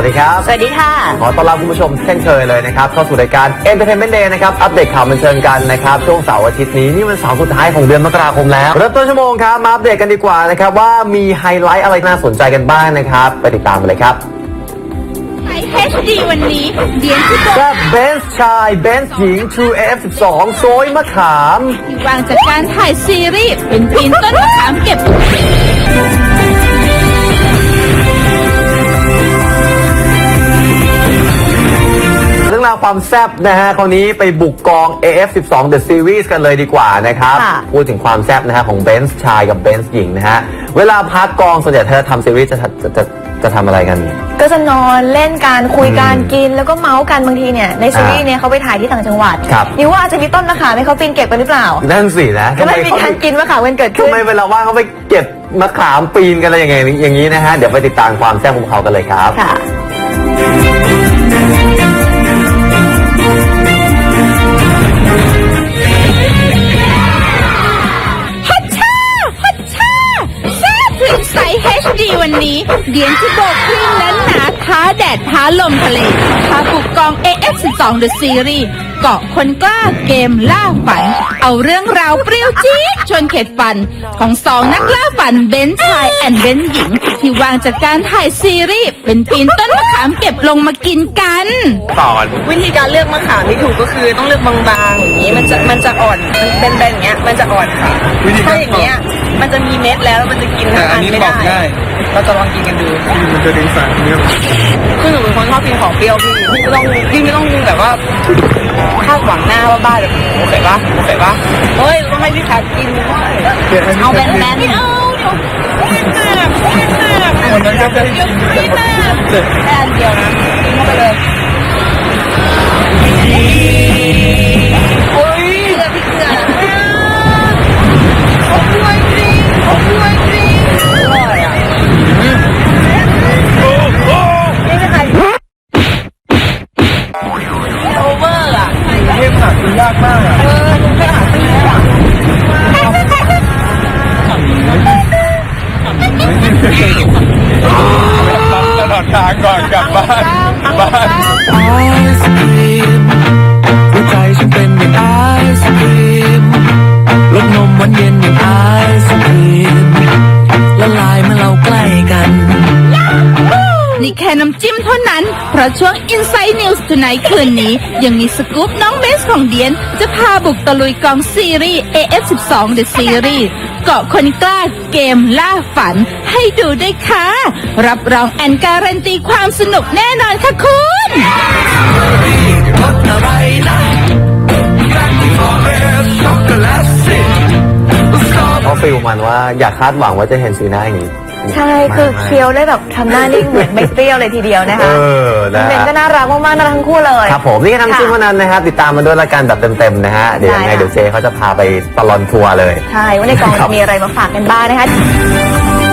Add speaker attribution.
Speaker 1: ดีครับ
Speaker 2: สวัสดีค่ะ
Speaker 1: ขอต้อนรับคุณผู้ชมเช่นเคยเลยนะครับเข้าสู่รายการ Entertainment Day นะครับอัปเดตข่าวบันเทิงกันนะครับช่วงเสาร์อาทิตย์นี้นี่มันเสาร์สุดท้ายของเดือนมกราคมแล้วเริ่มต้นชั่วโมงครับมาอัปเดตกันดีกว่านะครับว่ามีไฮไลท์อะไรน่าสนใจกันบ้างนะครับไปติดตามกันเลยครับ
Speaker 2: ไทย HD วันนี้เดียนที่บอก
Speaker 1: แซ่บเบนซ์ชายเบนซ์หญิง True AF12 โซยมะขาม
Speaker 2: ที่วางจากการถ่ายซีรีส์เป็นปีนต้นมะขามเก็บ
Speaker 1: เรื่องราวความแซ่บนะฮะคราวนี้ไปบุกกอง AF12 The Series กันเลยดีกว่านะครับพูดถึงความแซ่บนะฮะของเบนซ์ชายกับเบนซ์หญิงนะฮะเวลาพักกองส่วนใหญ่เธอทำซีรีส์จะทำอะไรกัน
Speaker 3: ก็จะนอนเล่นการคุยการกินแล้วก็เมาส์กันบางทีเนี่ยในซีรีส์เนี่ยเขาไปถ่ายที่ต่างจังหวัดนี่ว่าอาจจะมีต้นมะขามให้เขาปีนเก็บกันหรือเปล่า
Speaker 1: นั่นสินะ
Speaker 3: ก็ไม่มีการกินมะขามกันเกิดขึ้น
Speaker 1: ทำไมเวลาว่างเขาไปเก็บมะขามปีนกันอะไรอย่างนี้นะฮะเดี๋ยวไปติดตามความแซ่บของเขากันเลยครับ
Speaker 3: ค่ะ
Speaker 2: ใส่ HD วันนี้เดียนที่โบกคลื่นนั้นหนาท้าแดดท้าลมทะเลพาบุกกอง AF12 The Series เกาะคนกล้าเกมล่าฝันเอาเรื่องราวเปรี้ยวจี๊ดชวนเข็ดฟันของสองนักล่าฝันเบนซ์ชายแอนด์เบนซ์หญิงที่วางจากการถ่ายซีรีส์เป็นปีนต้นมะขามเก็บลงมากินกัน
Speaker 4: วิธีการเลือกมะขามที่ถูกก็คือต้องเลือกบางๆอย่างนี้มันจะอ่อนมันเป็นอย่างเงี้ยมันจะอ่อนค่ะถ้าอย่างเงี้ยมันจะมีเม็ดแล้วมันจะกินทั้งอันไม่ได้เราจะลองกินกันดู
Speaker 5: มันจะดึงสารเนี่ย
Speaker 4: คือหนูเป็นคนชอบกินของเปรี้ยวพี่ไม่ต้องแบบว่าคาดหวังหน้าว่าบ้าแบบโอเคปะเฮ้ยต้องให้พี่ขากินเอาแบนๆไม่เอา
Speaker 5: วันนั้นก็ได้กิน
Speaker 4: แค่อันเดียวนะกินเข้าไปเลยโอ้ยเกลือพี่เกลืออร่อยจริงอร่อยอ่ะนี่ไม่ใครโอเวอร์อ่ะ
Speaker 5: เทพหาซื้อยากมากอ่ะ
Speaker 4: ลุงแค่หาซื้ออ่ะ
Speaker 5: ตลอดทางก่อนกลับบ้านไอศครีมหัวใจฉันเป็นอย่างไอศครีมรสนมหวานเย็นอย่างไอศครีมละลายเมื่อเราใกล้กัน
Speaker 2: นี่แค่น้ำจิ้มเท่านั้นเพราะช่วง Inside News Tonight คืนนี้ยังมีสกู๊ปน้องเบสของเดียนจะพาบุกตะลุยกองซีรีส์ AF12 The Series เกาะคนกล้าเกมล่าฝันให้ดูได้ค่ะรับรองแอนการันตีความสนุกแน่นอนค่ะคุณ
Speaker 1: เพราะฟิลมันว่าอยากคาดหวังว่าจะเห็นสีหน้าอย่างนี้
Speaker 3: ใช่คือเคี้ยวได้แบบทำหน้านิ่งเหมือนไม่เปรี้ยวเลยทีเดียวนะคะ
Speaker 1: นะ
Speaker 3: เบนก็น่ารักมากๆน่ารักทั้งคู่เลย
Speaker 1: ครับผมนี่ก็ทำชิ้นเท่านั้นนะครับติดตามมาด้วยรายการแบบเต็มๆนะฮะเดี๋ยวยังไงเดี๋ยวเจเขาจะพาไปตลอดทัวร์เลย
Speaker 3: ใช่ว่าในกองจะมีอะไรมาฝากกันบ้างนะคะ